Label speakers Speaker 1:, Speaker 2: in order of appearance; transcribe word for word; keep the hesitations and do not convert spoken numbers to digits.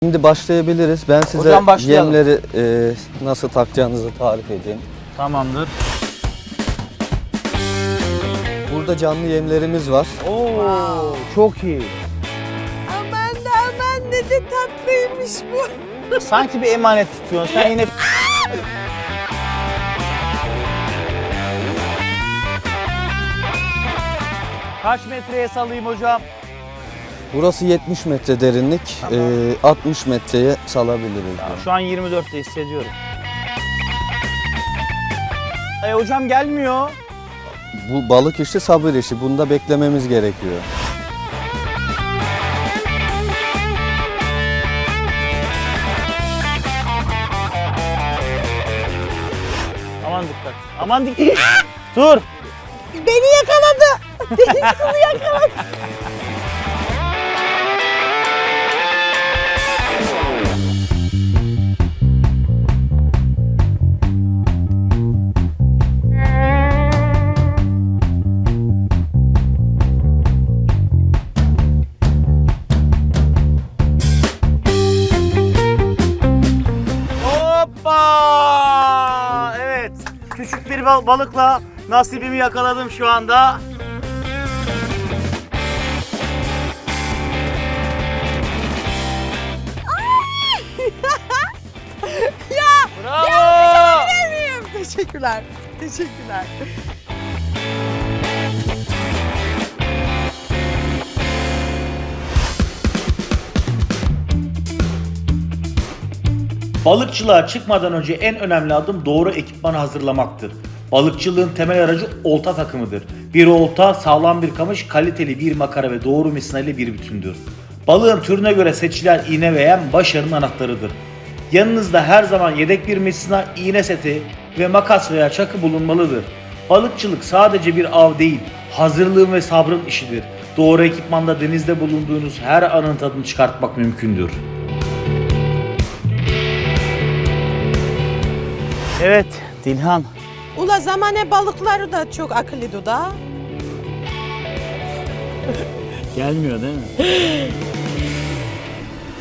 Speaker 1: Şimdi başlayabiliriz. Ben size
Speaker 2: Hocam başlayalım.
Speaker 1: yemleri e, nasıl takacağınızı tarif edeyim.
Speaker 2: Tamamdır.
Speaker 1: Burada canlı yemlerimiz var.
Speaker 2: Oo, çok iyi.
Speaker 3: Aman da aman ne de tatlıymış bu.
Speaker 2: Sanki bir emanet tutuyorsun. Sen yine... Kaç metreye salayım hocam?
Speaker 1: Burası yetmiş metre derinlik,
Speaker 2: Tamam.
Speaker 1: e, altmış metreye salabiliriz.
Speaker 2: Ya, şu an yirmi dörtte hissediyorum. E hocam gelmiyor.
Speaker 1: Bu balık işi sabır işi. Bunda beklememiz gerekiyor.
Speaker 2: Aman dikkat. Aman dikkat. Dur.
Speaker 3: Beni yakaladı. Deniz kızı yakaladı.
Speaker 2: Hoppa! Evet. Küçük bir bal- balıkla nasibimi yakaladım şu anda.
Speaker 3: Ya
Speaker 2: Bravo!
Speaker 3: sevmiyorum. Teşekkürler. Teşekkürler.
Speaker 4: Balıkçılığa çıkmadan önce en önemli adım doğru ekipmanı hazırlamaktır. Balıkçılığın temel aracı olta takımıdır. Bir olta, sağlam bir kamış, kaliteli bir makara ve doğru misina ile bir bütündür. Balığın türüne göre seçilen iğne ve yem başarının anahtarıdır. Yanınızda her zaman yedek bir misina, iğne seti ve makas veya çakı bulunmalıdır. Balıkçılık sadece bir av değil, hazırlığın ve sabrın işidir. Doğru ekipmanda denizde bulunduğunuz her anın tadını çıkartmak mümkündür.
Speaker 2: Evet Dilhan.
Speaker 3: Ula zamane balıkları da çok akıllıdı da.
Speaker 2: Gelmiyor değil mi?